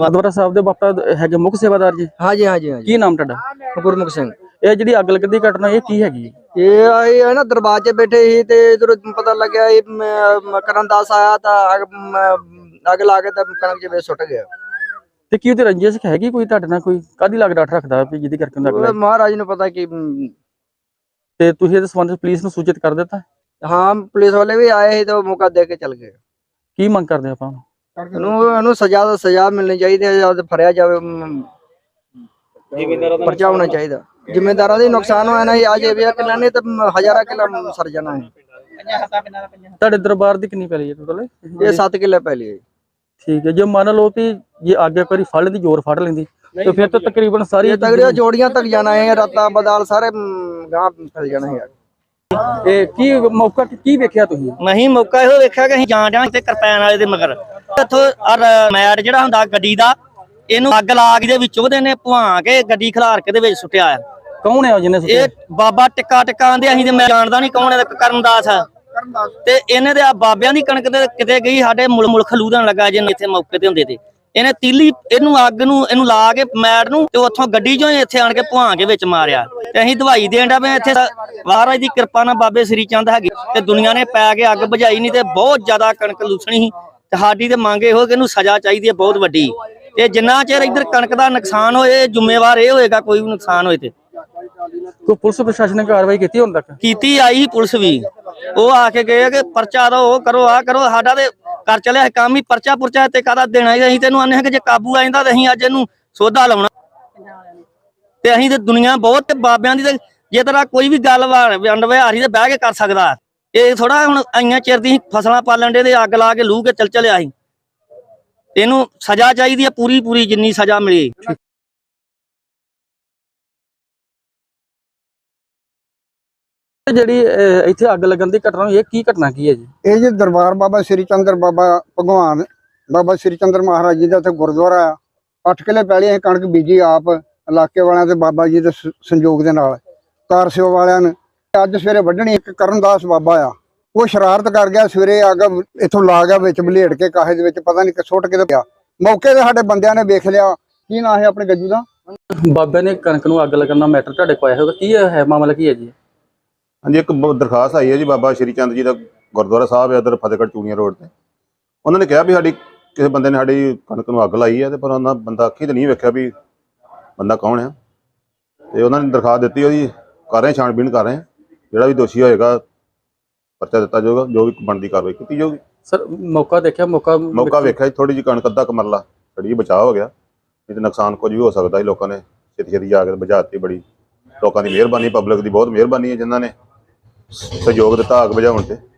ਗੁਰਦੁਆਰਾ ਸਾਹਿਬ ਦੇ ਬਾਪਾ ਹੈਗੇ ਮੁੱਖ ਸੇਵਾਦਾਰ ਜੀ? हाँ जी हाँ जी हाँ जी। ਕੀ ਨਾਮ ਤੁਹਾਡਾ? गुरमुख सिंह। ਇਹ ਜਿਹੜੀ ਅੱਗ ਲੱਗਣ ਦੀ ਘਟਨਾ ਇਹ ਕੀ ਹੈਗੀ? ये आए है ना दरबार च बैठे ही ते इधर पता लग गया करण दास आया था आग ला के कणक च वे सुट गया। ਤੇ ਕੀ ਉਹਦੀ ਰੰਜਿਸ਼ ਹੈਗੀ ਕੋਈ ਤੁਹਾਡੇ ਨਾਲ? ਕੋਈ ਕਾਹਦੀ ਲੱਗ ਡਾਟ ਰੱਖਦਾ ਵੀ ਜਿਹਦੀ ਕਰਕੇ ਉਹਨੂੰ ਅੱਗ ਲੱਗੀ? महाराज ने पता कि ਤੇ ਤੁਸੀਂ ਇਹਦੇ ਸੰਬੰਧ ਵਿੱਚ ਪੁਲਿਸ ਨੂੰ ਸੂਚਿਤ ਕਰ ਦਿੱਤਾ? हाँ पुलिस वाले भी आए ही तो मौका दे के चल गए। ਕੀ ਮੰਗ ਕਰਦੇ ਆਪਾਂ? ਇਹਨੂੰ ਸਜ਼ਾ ਮਿਲਣੀ ਚਾਹੀਦੀ ਹੈ ਜਾਂ ਫੜਿਆ ਜਾਵੇ। ਪਰਚਾ ਹੋਣਾ ਚਾਹੀਦਾ। ਜ਼ਿੰਮੇਦਾਰਾਂ ਦੇ ਨੁਕਸਾਨ ਹੋਇਆ ਨਾ ਅੱਜ ਇਹ ਵੀ ਕਿਲਾ ਨੇ ਤਾਂ ਹਜ਼ਾਰਾਂ ਕਿਲਾ ਸਰ ਜਾਣਾ ਹੈ। ਤੁਹਾਡੇ ਦਰਬਾਰ ਦੀ ਕਿੰਨੀ ਪੈਲੀ ਹੈ ਟੋਟਲ? ਇਹ 7 ਕਿੱਲੇ ਪੈਲੀ ਹੈ। ਠੀਕ ਹੈ। ਜੇ ਮੰਨ ਲਓ ਕਿ ਜੇ ਅੱਗ ਇੱਕ ਵਾਰੀ ਫੜ ਲੈਂਦੀ, ਜ਼ੋਰ ਫੜ ਲੈਂਦੀ, ਤੇ ਫਿਰ ਤਾਂ ਤਕਰੀਬਨ ਸਾਰੀ ਤਗੜੀਆਂ ਜੋੜੀਆਂ ਤੱਕ ਜਾਣਾ ਹੈ। ਰਾਤਾਂ ਬਦਾਲ ਸਾਰੇ ਗਾਂ ਫੈਲ ਜਾਣਾ ਹੈ। ਇਹ ਕੀ ਮੌਕਾ ਕੀ ਵੇਖਿਆ ਤੁਸੀਂ? ਨਹੀਂ ਮੌਕਾ ਇਹੋ ਵੇਖਿਆ ਕਿ ਅਸੀਂ ਜਾਣ ਡਿਆ ਤੇ ਕਿਰਪਾਨ ਵਾਲੇ ਦੇ ਮਗਰ ਇੱਥੋਂ ਮੈਟ ਜਿਹੜਾ ਹੁੰਦਾ ਗੱਡੀ ਦਾ, ਇਹਨੂੰ ਅੱਗ ਲਾ ਕੇ ਦੇ ਵਿੱਚ ਉਹਦੇ ਨੇ ਭਵਾ ਕੇ ਗੱਡੀ ਖਿਲਾਰ ਕੇ ਦੇ ਵਿੱਚ ਸੁੱਟਿਆ ਆ। ਕੌਣ ਹੈ ਜਿਹਨੇ ਸੁੱਟਿਆ? ਇਹ ਬਾਬਾ ਟਿੱਕਾ ਆਂਦੇ ਅਸੀਂ ਤੇ ਮੈਂ ਜਾਣਦਾ ਨਹੀਂ ਕੌਣ ਹੈ। ਕਰਨਦਾਸ ਤੇ ਇਹਨੇ ਦੇ ਆ ਬਾਬਿਆਂ ਦੀ ਕਣਕ ਤੇ ਕਿਤੇ ਗਈ ਸਾਡੇ ਮੁਲ ਖਲੂਦਣ ਲੱਗਾ ਜੇ ਇੱਥੇ ਮੌਕੇ ਤੇ ਹੁੰਦੇ ਤੇ ਇਹਨੇ ਤੀਲੀ ਇਹਨੂੰ ਅੱਗ ਨੂੰ ਇਹਨੂੰ ਲਾ ਕੇ ਮੈਟ ਨੂੰ ਤੇ ਉੱਥੋਂ ਗੱਡੀ ਚੋਂ ਇੱਥੇ ਆਣ ਕੇ ਭਵਾ ਕੇ ਵਿੱਚ ਮਾਰਿਆ। ਤੇ ਅਸੀਂ ਦਵਾਈ ਦੇਣ ਦਾ ਮੈਂ ਇੱਥੇ ਮਹਾਰਾਜ ਦੀ ਕਿਰਪਾ ਨਾਲ ਬਾਬੇ ਸ੍ਰੀ ਚੰਦ ਹੈਗੇ ਤੇ ਦੁਨੀਆ ਨੇ ਪੈ ਕੇ ਅੱਗ ਬੁਝਾਈ ਨਹੀਂ ਤੇ ਬਹੁਤ ਜ਼ਿਆਦਾ ਕਣਕ ਲੂਸਣੀ ਸੀ। ਤੇ ਸਾਡੀ ਤੇ ਮੰਗ ਇਹੋ ਕਿ ਇਹਨੂੰ ਸਜ਼ਾ ਚਾਹੀਦੀ ਹੈ ਬਹੁਤ ਵੱਡੀ। ਤੇ ਜਿੰਨਾ ਚਿਰ ਇੱਧਰ ਕਣਕ ਦਾ ਨੁਕਸਾਨ ਹੋਏ ਜ਼ਿੰਮੇਵਾਰ ਇਹ ਹੋਏਗਾ ਕੋਈ ਵੀ ਨੁਕਸਾਨ ਹੋਏ ਤੇ। ਕੋਈ ਪੁਲਿਸ ਪ੍ਰਸ਼ਾਸਨ ਨੇ ਕਾਰਵਾਈ ਕੀਤੀ ਹੁਣ ਤੱਕ? ਕੀਤੀ ਆਈ ਪੁਲਿਸ ਵੀ, ਉਹ ਆ ਕੇ ਗਏ ਕਿ ਪਰਚਾ ਦੋ ਉਹ ਕਰੋ ਆ ਕਰੋ। ਸਾਡਾ ਤੇ ਕਰ ਚਲਿਆ ਕੰਮ ਹੀ ਪਰਚਾ ਪੁਰਚਾ ਤੇ ਕਾਹਦਾ ਦੇਣਾ। ਅਸੀਂ ਤੈਨੂੰ ਆਨੇ ਕਿ ਜੇ ਕਾਬੂ ਆ ਜਾਂਦਾ ਤੇ ਅਸੀਂ ਅੱਜ ਇਹਨੂੰ ਸੋਧਾ ਲਾਉਣਾ। ਤੇ ਅਸੀਂ ਤੇ ਦੁਨੀਆ ਬਹੁਤ ਤੇ ਬਾਬਿਆਂ ਦੀ ਤੇ ਜੇ ਤਰ੍ਹਾਂ ਕੋਈ ਵੀ ਗੱਲ ਵੰਡ ਵਿਹਾਰੀ ਤੇ ਬਹਿ ਕੇ ਕਰ ਸਕਦਾ। ਇਹ ਥੋੜਾ ਹੁਣ ਆਈਆਂ ਚਿਰ ਦੀ ਫਸਲਾਂ ਪਾਲਣ ਦੇ ਤੇ ਅੱਗ ਲਾ ਕੇ ਲੂ ਕੇ ਚੱਲ ਚਲਿਆ ਸੀ। ਇਹਨੂੰ ਸਜ਼ਾ ਚਾਹੀਦੀ ਹੈ ਪੂਰੀ ਜਿੰਨੀ ਸਜ਼ਾ ਮਿਲੇ। ਜਿਹੜੀ ਇੱਥੇ ਅੱਗ ਲੱਗਣ ਦੀ ਘਟਨਾ ਹੋਈ, ਇਹ ਕੀ ਘਟਨਾ ਕੀ ਹੈ ਜੀ? ਇਹ ਜੀ ਦਰਬਾਰ ਬਾਬਾ ਸ੍ਰੀ ਚੰਦਰ ਬਾਬਾ ਭਗਵਾਨ ਬਾਬਾ ਸ੍ਰੀ ਚੰਦਰ ਮਹਾਰਾਜ ਜੀ ਦਾ ਇੱਥੇ ਗੁਰਦੁਆਰਾ ਆ। 8 ਕਿੱਲੇ ਪੈਲੀ ਅਸੀਂ ਕਣਕ ਬੀਜੀ ਆਪ ਇਲਾਕੇ ਵਾਲਿਆਂ ਤੇ ਬਾਬਾ ਜੀ ਦੇ ਸੰਯੋਗ ਦੇ ਨਾਲ ਕਾਰ ਸੇਵਾ ਵਾਲਿਆਂ ਨੇ। ਅੱਜ ਸਵੇਰੇ ਵੱਢਣੀ ਇੱਕ ਕਰਨਦਾਸ ਬਾਬਾ ਆ, ਉਹ ਸ਼ਰਾਰਤ ਕਰ ਗਿਆ। ਸਵੇਰੇ ਅੱਗ ਇੱਥੋਂ ਲਾ ਗਿਆ ਵਿੱਚ ਬਲੇਡ ਕੇ ਕਾਹੇ ਦੇ ਵਿੱਚ ਪਤਾ ਨਹੀਂ ਸੁੱਟ ਕੇ ਪਿਆ। ਮੌਕੇ ਤੇ ਸਾਡੇ ਬੰਦਿਆਂ ਨੇ ਵੇਖ ਲਿਆ। ਕੀ ਨਾਂ ਹੈ ਆਪਣੇ ਗੱਜੂ ਦਾ? ਬਾਬੇ ਨੇ ਕਣਕ ਨੂੰ ਅੱਗ ਲੱਗਣ ਦਾ ਮੈਟਰ ਤੁਹਾਡੇ ਕੋਲ ਆਇਆ ਹੋਗਾ, ਕੀ ਹੈ ਮਾਮਲਾ ਕੀ ਹੈ ਜੀ? ਹਾਂਜੀ, ਇੱਕ ਦਰਖਾਸਤ ਆਈ ਹੈ ਜੀ ਬਾਬਾ ਸ਼੍ਰੀ ਚੰਦ ਜੀ ਦਾ ਗੁਰਦੁਆਰਾ ਸਾਹਿਬ ਹੈ ਇੱਧਰ ਫਤਿਹਗੜ੍ਹ ਚੂੜੀਆਂ ਰੋਡ ਤੇ। ਉਹਨਾਂ ਨੇ ਕਿਹਾ ਵੀ ਸਾਡੀ ਕਿਸੇ ਬੰਦੇ ਨੇ ਸਾਡੀ ਕਣਕ ਨੂੰ ਅੱਗ ਲਾਈ ਹੈ ਤੇ ਪਰ ਉਹਨਾਂ ਬੰਦਾ ਅੱਖੀ ਤੇ ਨਹੀਂ ਵੇਖਿਆ ਵੀ ਬੰਦਾ ਕੌਣ ਹੈ। ਤੇ ਉਹਨਾਂ ਨੇ ਦਰਖਾਸਤ ਦਿੱਤੀ, ਉਹਦੀ ਕਰ ਰਹੇ ਛਾਣਬੀਣ ਕਰ ਰਹੇ। ਜਿਹੜਾ ਵੀ ਦੋਸ਼ੀ ਹੋਏਗਾ ਪਰਚਾ ਦਿੱਤਾ ਜਾਊਗਾ, ਜੋ ਵੀ ਬਣਦੀ ਕਾਰਵਾਈ ਕੀਤੀ ਜਾਊਗੀ। ਸਰ ਮੌਕਾ ਦੇਖਿਆ? ਮੌਕਾ ਵੇਖਿਆ ਥੋੜੀ ਜਿਹੀ ਕਣਕ ਅੱਧਾ ਕਮਰਲਾ ਥੋੜੀ ਬਚਾਅ ਹੋ ਗਿਆ, ਨਹੀਂ ਤੇ ਨੁਕਸਾਨ ਕੁਝ ਵੀ ਹੋ ਸਕਦਾ ਸੀ। ਲੋਕਾਂ ਨੇ ਛੇਤੀ ਜਾ ਕੇ ਬੁਝਾਤੀ। ਬੜੀ ਲੋਕਾਂ ਦੀ ਮਿਹਰਬਾਨੀ, ਪਬਲਿਕ ਦੀ ਬਹੁਤ ਮਿਹਰਬਾਨੀ ਹੈ ਜਿਨ੍ਹਾਂ ਨੇ ਸਹਿਯੋਗ ਦਿੱਤਾ ਅੱਗ ਬੁਝਾਉਣ ਤੇ।